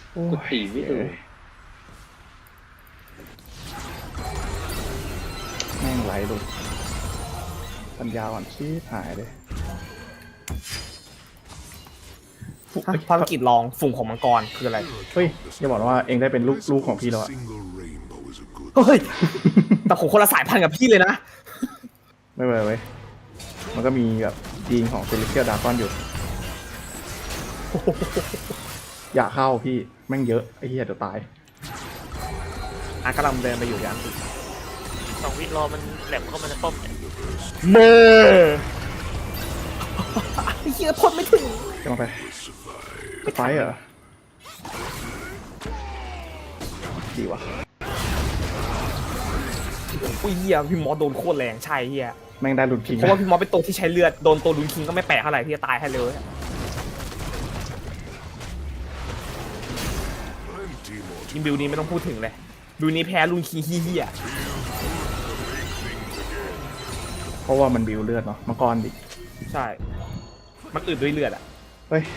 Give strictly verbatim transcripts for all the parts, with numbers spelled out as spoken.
กูตีไม่ถูกแม่งไหลหลุดปัญญาอ่อนชี้หายเลยภารกิจลองฝุ่งของมังกรคืออะไรเฮ้ยอย่าบอกว่าเองได้เป็นลูกลูกของพี่แล้วอะเฮ้ยแต่ผมคนละสายพันธุ์กับพี่เลยนะไม่เป็นไรเว้ยมันก็มีแบบยีนของเซเลสเทียลดราก้อนอยู่อย่าเข้าพี่แม่งเยอะไอ้เหี้ยเดี๋ยวตายอ่ะกำลังเดินไปอยู่ยันสองวิรอมันแหลมเข้ามาในป้อมเนี่ยเมื่อไอ้เหี้ยพ่นไม่ถึงจะมาไปไฟเหรอดีวะอุ้ยเหี้ยพี่มอสโดนโคตรแรงใช่เหี้ยแม่งได้ลุนคิงเพราะว่าพี่มอสเป็นตัวที่ใช้เลือดโดนตัวลุนคิงก็ไม่แปลกเท่าไหร่ที่จะตายให้เร็วยิมบิวนี้ไม่ต้องพูดถึงเลยบิวนี้แพ้ลุนคิงเหี้ยเพราะว่ามันบิวเลือดเนาะมังกรดิใช่มันอึดด้วยเลือดอ่ะเฮ้ย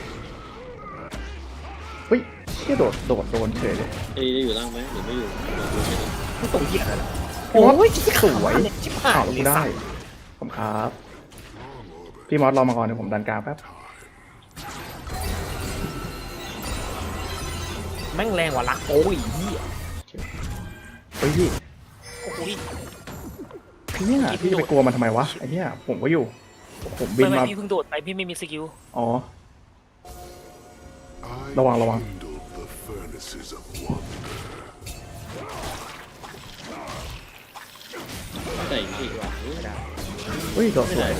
เฮ้ยเชี่ยโดดโดดโดนเฉยเลยเอ้ยได้อยู่ล่างไหมหรือไม่อยู่ไม่ตรงเหี้ยเลยโอ้ยสวยข่าวเราได้ผมครับพี่มอสรอมาก่อนเดี๋ยวผมดันกลางแป๊บแม่งแรงกว่าลักโอ้ยพี่เฮ้ยพี่โอ้ยพี่เนี่ยพี่ไปกลัวมันทำไมวะไอ้เนี่ยผมก็อยู่ผมบินมาพี่เพิ่งโดดไปพี่ไม่มีสกิลอ๋อระวังระวังใส่อีกว่ะเฮ้ยโดดสวย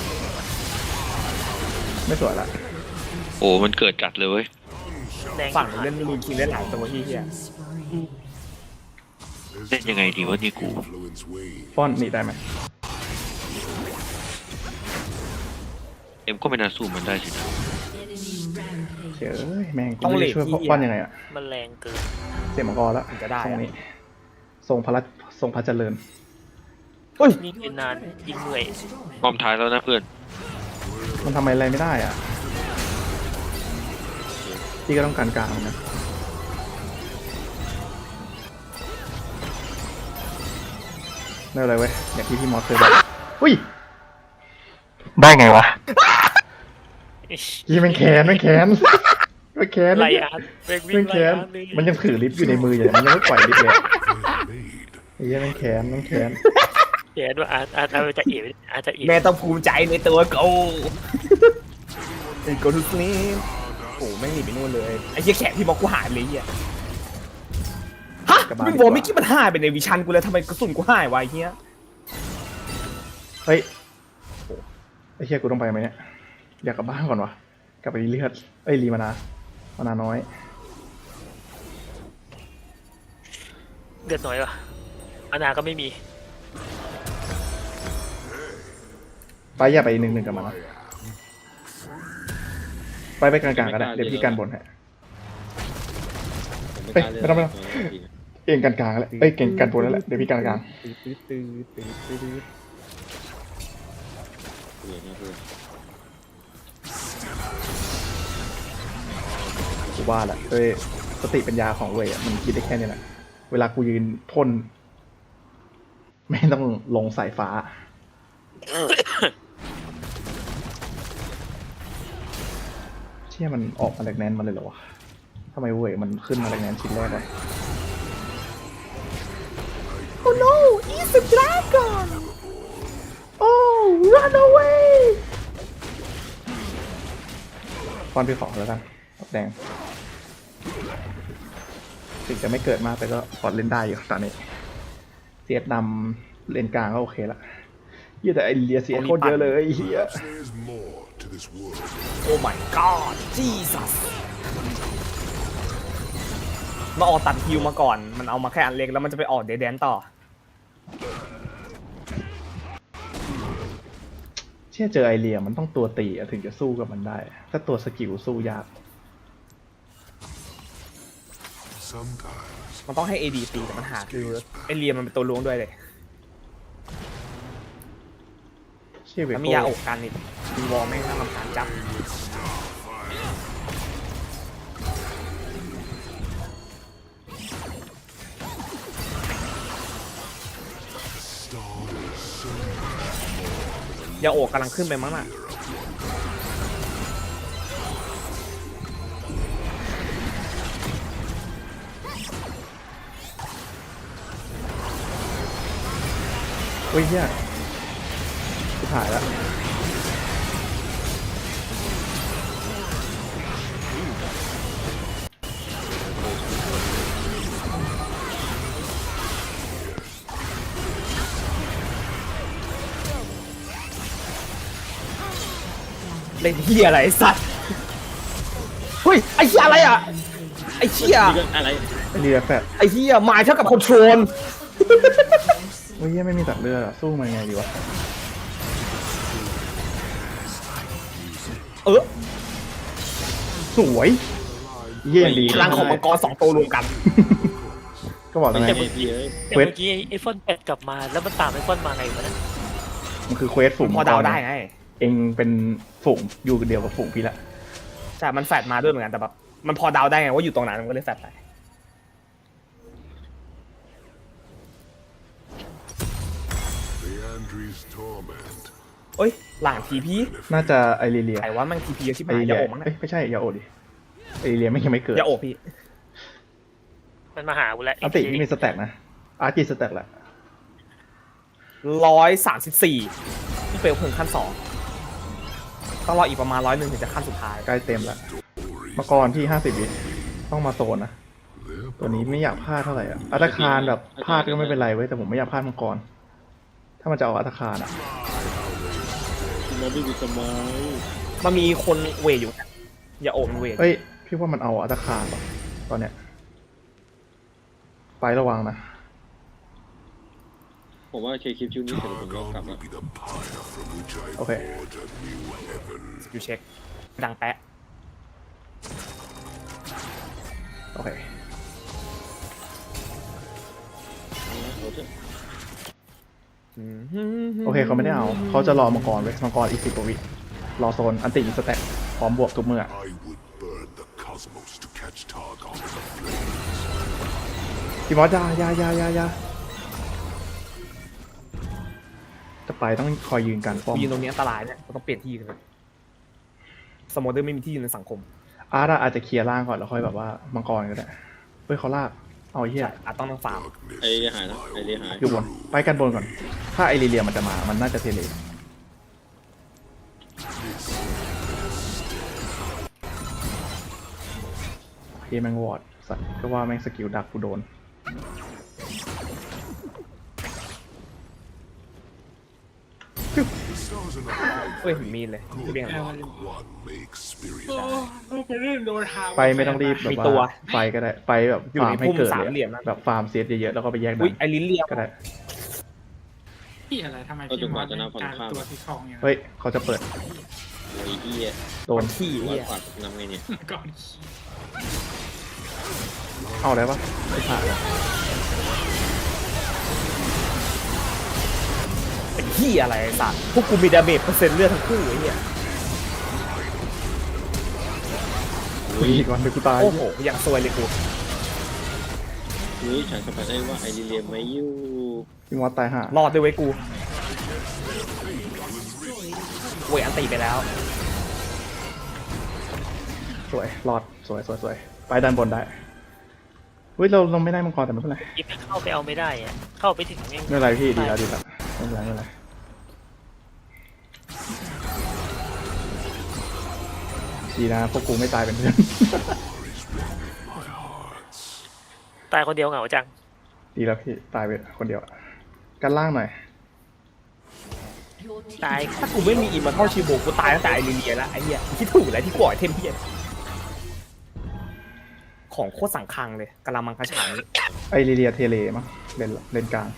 ไม่สวยละโอ้มันเกิดจัดเลยเว้ยฝั่งเล่นลูนคิงได้หลายตัวที่เฮียเล่นยังไงดีวะนี่กูป้อนนี่ได้ไหมเอ็มก็ไม่น่าสู้มันได้สินะเจ๋อแม่งต้องช่วยป้อนยังไงอะมันแรงเกินเสียมังกรแล้วจะได้ตรงนี้ทรงพระทรงพระเจริญเฮ้ยนี่เป็นนานยิงเหนื่อยพร้อมท้ายแล้วนะเพื่อนมันทำอะไรไม่ได้อ่ะพี่ก็ต้องการกลางนะไม่อะไรเว้ยอย่างที่พี่มอสเคยบอกอุ้ยได้ไงวะยี่มันแขนมันแขนมันแขนไรอ่ะมันแขนมันยังถือลิฟต์อยู่ในมืออยู่มันยังไม่ปล่อยลิฟต์เลยยี่มันแขนมันแขนแขนว่าอาจอาจจะเอ๋อาจจะเอ๋แม่ต้องภูมิใจในตัวกูไอ้กูทุกนี้โอ้ไม่หนีไปนู่นเลยไอ้เหี้ยแขนพี่บอกกูหายเลยเหี้ยฮะมึงบอกไม่คิดมันหายไปในวิชันกูเลยทำไมกระสุนกูหายวะเหี้ยเฮ้ยไอ้เหี้ยกูต้องไปไหมเนี่ยอยากกลับบ้านก่อนวะกลับไปรีเลือดเอ้ยรีมานามานาน้อยเดือดหน่อยวะมานาก็ไม่มีไปอย่าไปหนึ่งหนึ่งกับมันนะไปไปกลางๆก็ได้เดี๋ยวพี่กันบนฮะเฮ้ยไม่ต้องไม่ต้องเองกันกลางแล้วเอ้ยเก่งกันบนแล้วแหละเดี๋ยวพี่กันกลางกูว่าแหละเอ้ยสติปัญญาของเว้ยมันคิดได้แค่นี้แหละเวลากูยืนพ่นไม่ต้องลงสายฟ้าเชี่ยมันออกมาแรงแนนมาเลยเหรอวะทำไมเว้ยมันขึ้นมาแรงแนนชิ้นแรกเลยโอ้ no it's a dragon oh run away ฟอนพี่ขอแล้วกันแดงถึงจะไม่เกิดมากแต่ก็พอเล่นได้อยู่ตอนนี้เสียดนำเลนกลางก็โอเคละเยอะแต่ไอเลียเสียโคตรเยอะเลยเฮียโอ้ my god Jesus มาออกตัดฮิวมาก่อนมันเอามาแค่อันเล็กแล้วมันจะไปออกเดดแดนต่อเชื่อเจอไอเลียมันต้องตัวตีถึงจะสู้กับมันได้ถ้าตัวสกิลสู้ยากมันต้องให้ เอ ดี ตีแต่มันหาคือไอเลียมันเป็นตัวล้วงด้วยเลยแล้วมียาอกกันอีกมีวอลแม่งน่ารำคาญจับยาโอะกำลังขึ้นไปมั้งน่ะเฮ้ยเฮียกูถ่ายแล้วเล่นเฮียอะไรไอ้สัตว์เฮ้ยไอ้เฮียอะไรอ่ะไอ้เฮียอะไรเรียแฟดไอ้เฮียหมายเท่ากับคอนโทรลเฮ้ยเฮียไม่มีตัดเลือดอะสู้มันไงดีวะเออสวยเยี่ยดีพลังของมังกรสองตัวรวมกันก็บอกแล้วไงแต่เมื่อกี้แต่เมื่อกี้ไอ้ฟอนแปดกลับมาแล้วมันตามไอ้ฟอนมาไงวะนะมันคือเควสฝูงพอเดาได้ไงเองเป็นฝูงอยู่เดียวกับฝูงพี่ละใช่มันแฟดมาด้วยเหมือนกันแต่แบบมันพอเดาได้ไงว่าอยู่ตรงนั้นมันก็เลยแฟดไป Leandri's torment. เอ้ยหลังทีพีน่าจะไอรีเลียใครว่ามันทีพีเยอะชิบไอหายรีเลียาย โอะมั้งเอ้ยไม่ใช่ยาโอดิไอรีเลียไม่ยังไม่เกิดยาโอะพี่มันมาหากูแล้วอันติที่มีสแต็กนะอาร์จีสแต็กแหละร้อยสามสิบสี่ที่เปลวเพลิงขั้นสองต้องรออีกประมาณร้อยหนึ่งถึงจะขั้นสุดท้ายใกล้เต็มละมังกรที่ห้าสิบวิต้องมาโซนนะ ตัวนี้ไม่อยากพลาดเท่าไหร่อ่ะอัตคารแบบพลาดก็ไม่เป็นไรเว้ยแต่ผมไม่อยากพลาดมังกรถ้ามันจะเอาอัตคารอ่ะมันไม่มีสมัยมันมีคนเวทอยู่นะยาโอะมันเวทเอ้ยพี่ว่ามันเอาอัตคารป่ะตอนเนี้ยไประวังนะผมว่าเคคลิปชุดนี้เสร็จแล้วผมก็กลับ Targon ละ will be the pyre from which I โอเค forge a new heaven. อยู่เช็คดังแปะโอเค โอเคเขาไม่ได้เอาเขาจะรอมังกรไว้ยมังกรอีกสิบกว่าวิรอโซนอันติอีกสแต็กพร้อมบวกทุกเมื่อ I would burn the cosmos to catch Targon in the flames. พี่มอสยายายายายาจะไปต้องคอยยืนกันป้อมยืนตรงนี้อันตรายเนี่ยเราต้องเปลี่ยนที่กันเลยสโมเดอร์ไม่มีที่ยืนในสังคมอาร์ตอะอาจจะเคลียร์ล่างก่อนแล้วค่อยแบบว่ามังกรก็ได้เฮ้ยเขาลากเอาไอ้เหี้ยอาจต้องต้องฟาร์มไอเรียหายนะไอเรียหายอยู่บนไปกันบนก่อน ถ้าไอรีเลียมันจะมามันน่าจะเทเลเฮ้ยแมงวอร์ดสัตว์ก็ว่าแมงสกิลดักกูโดน The stars are not quite เฮ้ยมีนเลยที่เรียกอะไร one may experience. ไปไม่ต้องรีบแบบมีตัวว่าไฟก็ได้ไปแบบอยู่ฟาในร์มให้พุ่มเกิดสามเลยเหลี่ยมอะนะแบบฟาร์มเซตเยอะๆแล้วก็ไปแยกอุ้ยดันไอรินเลียมก็ได้พี่อะไรทำไมก็จพี่นมกอว่าสจะนับเป็นฝั่งการข้ามตัวที่คลองอย่างเฮ้ยเขาจะเปิดโอ้ยเฮียโดนขี้ร้อยเหี้ยกว่านับไงเนี่ยก่อนเอาได้ปะไม่ผ่านเลยเป็นขี้อะไรไอ้สัตว์พวกกูมีดาเมจเปอร์เซ็นต์เลือดทั้งคู่ไอ้เหี้ยคุยก่อนเดี๋ยวกูตายโอ้โหยังซวยเลยกูเฮ้ยฉันสัมผัสได้ว่าไอเรียไม่อยู่พี่มอสตายห่ารอดด้วยไว้ยกูเวยอันตีไปแล้วสวยรอดสวยสวยสวยไปด้านบนได้เฮ้ยเราเราไม่ได้มังกรแต่ไม่เป็นไรยิบเข้าไปเอาไม่ได้อะเข้าไปถึงยังไม่เป็นไรพี่ดีแล้วดีแล้วไม่เป็นไรไม่เป็นไรดีนะพวกกูไม่ตายเป็นเพื่อนตายคนเดียวเหงาจังดีแล้วพี่ตายไปคนเดียวกันล่างหน่อยตายถ้ากูไม่มีอิมมาเท่าชิโบกูตายตั้งแต่ไอรินเลียแล้วไอ้เหี้ยคิดถูกแล้วที่กูอ่อยเทมเพียนของโคตรสังคังเลยกะละมังกระฉางไอรีเลียเทเลมั้งเลนเลนกลาง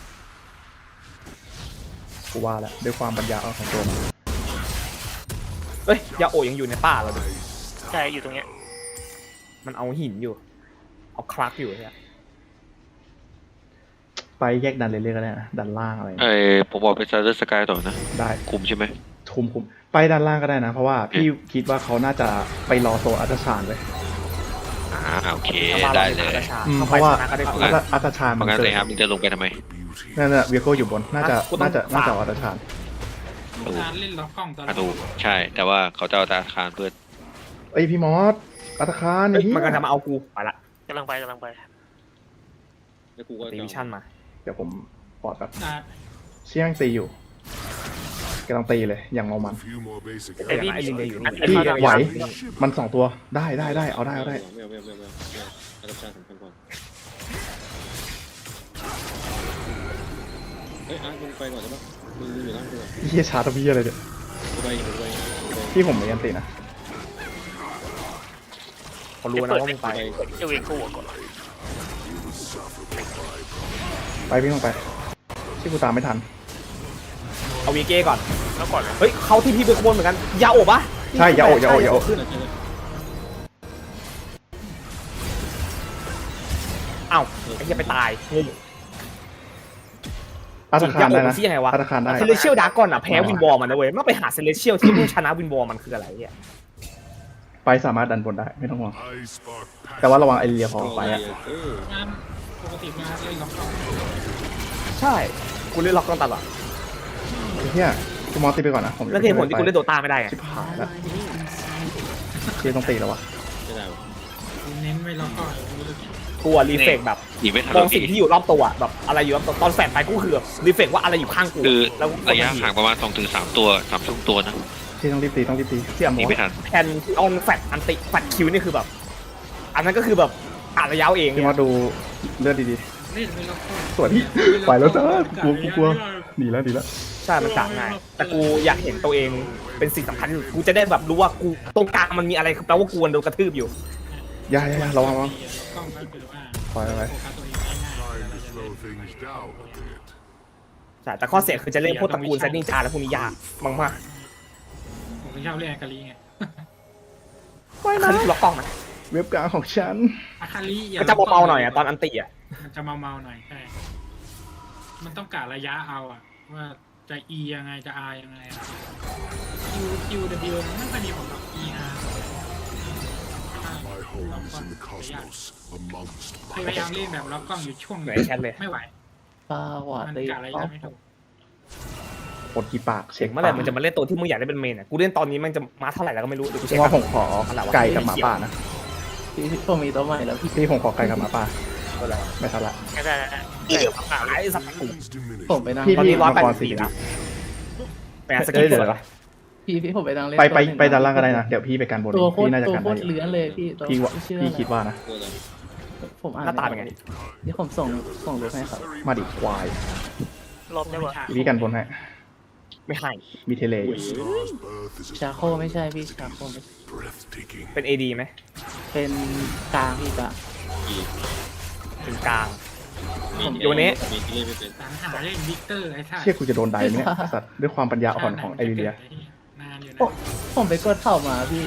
กูว่าแล้วด้วยความปัญญาเอาของตัวมันเอ้ยยาโอะยังอยู่ในป่าเราดิใช่อยู่ตรงเนี้ยมันเอาหินอยู่ เอาคลักอยู่เนี่ยไปแยกดันเรื่อยๆก็ได้นะดันล่างอะไรไอผมบอกไปซาร์เดอร์สกายต่อนะได้คุมใช่ไหมคุมคุมไปด้านล่างก็ได้นะ เพราะว่าพี่คิดว่าเขาน่าจะไปรอโซนอัตชานเลยอ่าโอเคถ้ามาได้เราเลเป็นยอาชาอืมเข้าเพไปราะว่าชนะก็ได้เพกูราะงั้นอัตชานเพมันราะงั้นเกิเลดยครับมึงจะลงไปทำไมนั่นน่ะเวียโก้อยู่บนน่าจะน่าจะน่าจะอัตชานลูกตาเล่นล็อกกล้องตลอประดตูใช่ แต่ว่าเขาจะเอาธนาคารเพื่อเอ้ยพี่มอสอัตคารเฮ้ยนี่มันกำลังจะมาเอากูไปละกำลังไปกำลังไปแล้วกูก็ตีวิชั่นมาเดี๋ยวผมปอดแบบอ่าเชี่ยงตีอยู่กำลังตีเลยอย่างเมามัน A few more basic ไอ้ไอ้ลินเดย์อยู่นี่พี่ไอ้ไหวลินเดย์มันสองตัวได้ได้ได้เอาได้เอาได้ไม่เอาไม่เอาไม่เอาไม่เอาไม่เอาธนาคารสำคัญกว่าเฮ้ยอาร์ตมึงไปก่อนใช่ปะมึงอยู่ล่างกูก่อนเฮียชาร์ตพี่อะไรเนี่ยกูไปกูไปกูไปพี่ผมไม่ยันตีนะเขารู้นะว่ามึงไปเจะเวกูก่อนไปพี่ลงไปที่กูตามไม่ทันเอาวีเก้ก่อนแล้วก่อนนะเฮ้ยเขาที่พี่เป็นขบวนเหมือนกันยาโอบปะใช่อย่าโอะอย่าโอะอย่าโอะขึ้นอ้าวไอ้เหี้ยไปตายงงอัตคารได้นะจริงๆยังไงวะอัตคารได้เซเลเชียลดาร์กอนอ่ะแพ้วินวอลมันนะเว้ยมาไปหาเซเลเชียลที่ผู้ชนะวินวอลมันคืออะไรเนี่ยไปสามารถดันบนได้ไม่ต้องห่วง I spark แต่ว่าระวังไอเรียพอไปอะเอองานปกติมาเล่นล็อกกล้องใช่กูเล่นล็อกกอนตลอดไอ้เฮียกูมอสตีไปก่อนนะผมจะแล้วเหตุผลที่กูเล่นโดตาไม่ได้ไงชิบหายแล้วเชียต้องตีแล้ววะไม่ได้วะเน้นไว้ล็อกกล้องไม่รู้กี่กูอะรีเฟกแบบหนีไม่ทันมแล้องวสิ่งพี่ที่อยู่รอบตัวอะแบบอะไรอยู่รอบตัวตอนแฟนไปกูคือแบบรีเฟกว่าอะไรอยู่ข้างกูคือแล้วกูกดระยะทันทีห่างประมาณสองถึงสามตัวสามช่วงตัวนะเชียต้องรีบตีต้องรีบตีเทียมหนีไม่ทันแคนออนแฟตอันติแฟตคิวนี่คือแบบ อันนั้นก็คือแบบอ่านระยะเอาเองพี่เนี่มอย สดูเลือดดีเล่นไว้ล็อกกล้องๆสวยพี่ไปแล้วจ้ากลัวกูกลัวหนีแล้วหนีแล้วใช่มันต่างง่ายแต่กูอยากเห็นตัวเองเป็นสิ่งสำคัญที่สุดกูจะได้แบบรู้ว่ากูตรงกลางมันมีอะไรแปลว่ากูโดนกระทืบอยู่อย่าอย่าอย่าระวังระวังล็อกกล้องก็คือว่าปล่อยไปโฟกัสตัวเองง่ายๆ trying เรา to จะ slow things down a bit. ใช่แต่ข้อเสียคือจะเล่นพวกตระกูลแซนนิงจาแล้วพวกนี้ยากมากผมไม่ชอบเล่นอากาลีไงไม่ๆนะคือล็อกกล้องนะเว็บกลางของฉันอาคาลีอย่ก็จะเบาๆหน่อยอะตอนอันติอะมันจะเมาๆหน่อยใช่มันต้องกะระยะเอาอะว่าจะ E ยังไงจะ R ยังไงอะ Q Q W มันไม่ค่อยมีผลกับ E R My home is in the cosmos, amongst พยายามเล่นแบบล็อกกล้องอยู่ช่วงไหนแชทเลยไม่ไหวปลาหวานมันเลยกะระยะไม่ถูกกดกี่ปากเช็คเมื่อไหร่มันจะมาเล่นตัวที่มึงอยากได้เป็นเมนอะกูเล่นตอนนี้มันจะมาเท่าไหร่แล้วก็ไม่รู้เดี๋ยวกูเพเช็คราะว่าก่ผอนมขอไก่กับหมาป่านะพี่ผมมีตัวใหม่แล้วพี่พี่ผมขอไก่กับหมาป่าก็แล้วไม่ทันละก็ได้ได้เดี๋ยวหายสักกู Things diminish. ผมไปนั่งพี่ตอนพี่นี้ร้อยมังแปดกรสิบสี่สี่นะนะไปหาสกิปเลยปะพี่พี่ผมไปนั่งเล่นไปไปตัวหนึ่งไปด้านล่างก็ได้นะเดี๋ยวพี่ไปกันบนตัวโคตพี่รน่าจะตัวกันโคได้ตรเลื้อนเลยพี่ตัวพี่ว่าชื่อพี่อะไรคิดว่านะกลัวอะไรผมอ่านหน้าตาเป็นไงเดี๋ยวผมส่งส่งรูปให้ครับมาดิควายรอบได้วะพี่กันบนให้ไม่ให้มีเทเลอยู่ Star's birth is ชาโคไม่ใช่พี่ชาโคไม่ breathtaking. เป็น เอ ดี ไหมเป็นกลางพี่กลางเป็นกลางมีอยู่วันนี้มีที่เล่นไม่เป็นสังหาเล่นวิกเตอร์ไอ้ท่าเชี่ยกูจะโดนไดไหมเนี่ยสัตว์ด้วยความปัญญาอ่อนของไอริเลียนานอยู่นะโอ้ผมไปกดเข้ามาพี่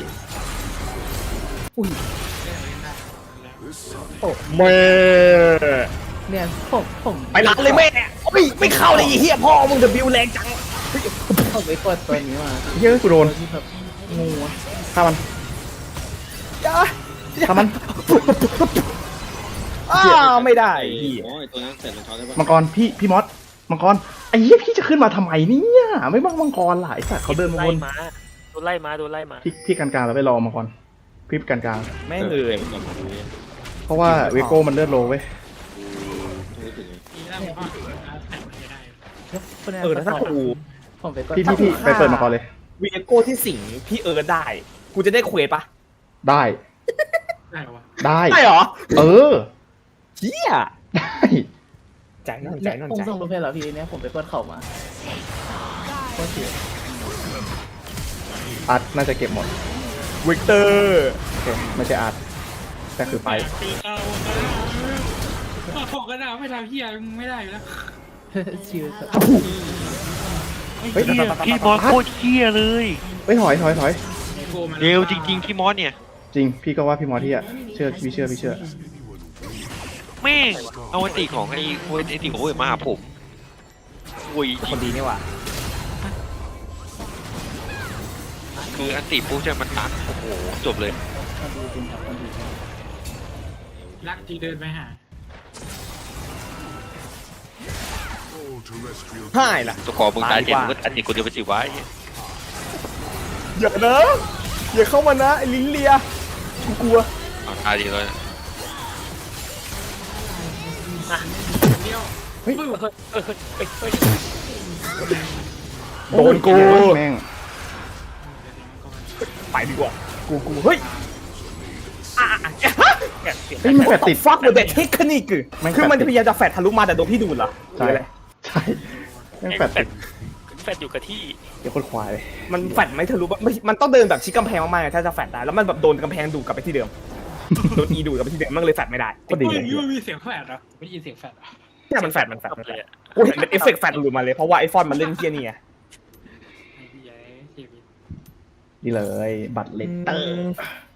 เล่นเล่นได้ This sun โอ้แม่เนี่ยผมผมไปร้านเลยแม่โอ้ยไม่เข้าเลยไอ้เหี้ยพ่อมึงเดบิวแรงจังผมไปกดตัวนี้มาเฮ้ยกูโดนตัวที่แบบงูอะฆ่ามันจ้าฆ่ามันอ้าไม่ได้ไอ้พี่อ๋อไอ้ตัวนั้นเสร็จรองเท้าได้ปะมังกรพี่พี่มอสมังกรไอ้เหี้ยพี่จะขึ้นมาทำไมเนี่ยไม่บังมังกรหลายสัตว์เขาเดินมาไล่วนมาโดนไล่มาโดนไล่มาพี่พี่กันกลางแล้วไปรอมังกรพี่กันกลางแม่งเลยเก็บก่อนกูเนี่ยเพราะว่าเวโก้มันเลือดโลเว้ยกูรู้สึกไงอีแล้วมันก็แต่งไม่ได้เออแล้วถ้ากูผมไปกดพี่พี่พี่ไปเปิดมังกรเลยวีโก้ที่สิงพี่เอิร์ธได้ กูจะได้เควสปะได้ได้วะได้ได้เหรอเออเฮียได้ใจนั่นใจนั่นผมใจส่งรูปให้แล้วพี่เนี่ยผมไปกดเข้ามาโคตรเสียอาร์ตน่าจะเก็บหมดวิกเตอร์โอเคไม่ใช่อาร์ตแต่คือไปตีเอาก็บอกกันนะไม่ทำเฮียมึงไม่ได้อยู่แล้วชิวครับเฮ้ยพี่พี่มอสโคตรเหี้ยเลยเฮ้ยถอยถอยถอยโกมันเร็วจริงๆพี่มอสเนี่ยจริงพี่ก็ว่าพี่มอสที่อ่ะเชื่อพี่เชื่อพี่เชื่อแม่งเอาอันติของไอ้เวนไอ้ติของเวนมาหาผมโอ้ยคนดีนี่ว่ะคืออันติปุ๊บจะมันตัดโอ้โหจบเลยคนดีจริงครับคนดีจริงรักที่เดินไปหา all terrestrial ให้ล่ะตัวคอมึงตายเจ็บตายดีกว่ามึงก็อันนี้กูเดียวไปสิวะอย่านะอย่าเข้ามานะไอ้ลิ้นเลียกูกลัวเอาตายดีเลยเดียวเฮ้ยเฮ้ยเฮ้ยเฮ้ยเฮ้ยเฮ้ยโดนกูแม่งไปดีกว่ากูกูเฮ้ยอ่ะอ่ะอ่ะเนี่ยเฮ้ยมันแฟดติดฟักกับเด็กเทคนิคคือแม่งคือมันแฟดติดพยายามจะแฟดทะลุมาแต่โดนพี่ดูดเหรอหรืใช่ออะไรใช่แม่งแฟดติดแฟดอยู่กับที่เดี๋ยวคนควายเลยมันแฟดไม่ทะลุไม่มันต้องเดินแบบชิดกำแพงมากๆถ้าจะแฟดได้แล้วมันแบบโดนกำแพงดูดกลับไปที่เดิมโดนอีดูดกลับไปที่เดิมมันก็เลยแฟดไม่ได้ก็ดีเฮ้เลย ยมันมีเสียงแฟดเหรอไม่ได้ยินเสียงแฟดเหรอเนี่ยมันแฟดมันแฟดมันแฟเลดยอะกูเห็นเป็นเอฟเฟกต์แฟดหลุดมาเลยเพราะว่าไอฟอนมันเล่นเที่ยนี่ไงไอ้พี่ใหญ่ชีวิตนี่เลย บัตรเลตเตอร์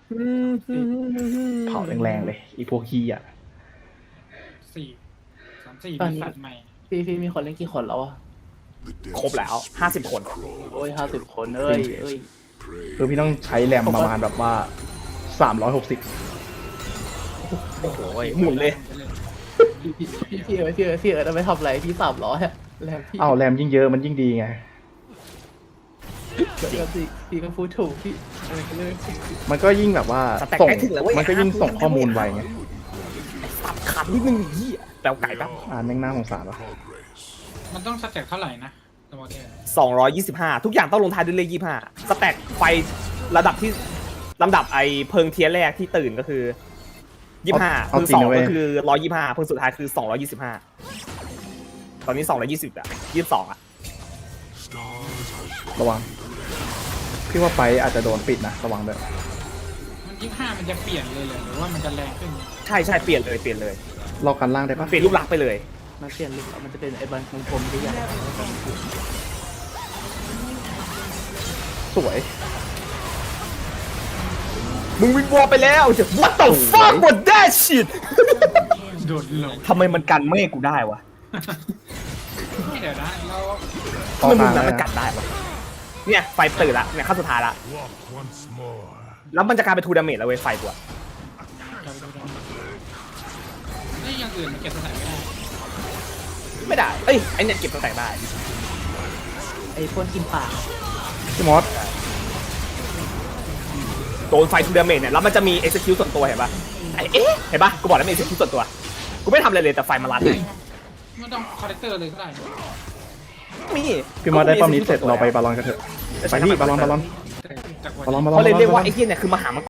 เผาแรงๆเลยอีพวกขี้อ่ะสี่สามสี่ตอนมีนี้สัตว์ใหม่พี่พี่มีคนเล่นกี่คนแล้วอะ the dead ครบแล้วห้าสิบคนโอ้ยห้าสิบคนเอ้ยเอ้ย prey คือพี่ต้องใช้แรมประมาณแบบว่าสามร้อยหกสิบโอ้โหหมุนเลยพี่พี่พี่พี่เอ๋ยพี่เอ๋ยพี่เอ๋ยจะไปทำอะไรพี่สามร้อยอะแล้วพี่อ้าวแรมยิ่งเยอะมันยิ่งดีไงเดี๋ยวพี่พี่ก็พูดถูกพี่อะไรก็เลยมันก็ยิ่งแบบว่าสแต็กส่งใกล้ถึงแล้วเว้ยมันก็ยิ่งส่งข้อมูลไวไงตัดขาดนิดนึงเหี้ยแปลวไก่แป๊บอ่านแม่งน่าสงสารวะ progress. มันต้องสแต็กเท่าไหร่นะสมมติเนี่ยสองร้อยยี่สิบห้าทุกอย่างต้องลงท้ายด้วยเลขยี่ห้าสแต็กไฟระดับที่ลำดับไอเพิงเทียนแรกที่ตื่นก็คือยี่ห้าเอาเพิงจริสงองนะเว้ยก็คือร้อยยี่ห้าเพิงสุดท้ายคือสองร้อยยี่สิบห้าตอนนี้สองร้อยยี่สิบอะยี่สิบสองอะ Stars have ระวัง พี่ว่าไปอาจจะโดนปิดนะระวังด้วยมันยี่ห้ามันจะเปลี่ยนเลยเหรอหรือว่ามันจะแรงขึ้นใช่ใช่เปลี่ยนเลยเปลี่ยนเลยรอกันล่างได้ปะเปลี่ยนรูปลักษณ์ไปเลยมันเปลี่ยนลุคแล้วมันจะเป็นไอ้บันของผมที่ใหญ่สวยมึงวิงวอลไปแล้วจะ what the fuck what that shit โดดลงทำไมมันกันเมฆกูได้วะเดี๋ยวนะเราทำไมมึงต่อนั้นทางมันเลยนะกัดได้วะเนี่ยไฟตื่นละเนี่ยขั้นสุดท้ายละ walk once more. แล้วมันจะกลายเป็นทูดาเมจแล้วเว้ยไฟกูอะจะไปดูดังไอ้ยอย่างอื่นมันเก็บสถานไม่ได้ไม่ได้เอ้ยไอเนี่ยเก็บตัวแตกได้ไอ้พวกกินปากพี่มอสโดนไฟทูดาเมจเนี่ยแล้วมันจะมี execute ส่วนตัวเห็นปะไอเอ๊ะเห็นปะกูบอกแล้วมี execute ส่วนตัวกูไม่ทำอะไรเลยแต่ไฟมาลัดเลยไม่ต้องคอร์เรคเตอร์เลยก็ได้มีพี่มอสได้ป้อมนี้เสร็จเราไปบาลอนกันเถอะ ไปนี่บาลอนบาลอนจากวันบาลอนนี้บาลอนเขาเลยเรียกว่าบาลอนไอ้เหี้ยเนี่ยคือมหามัง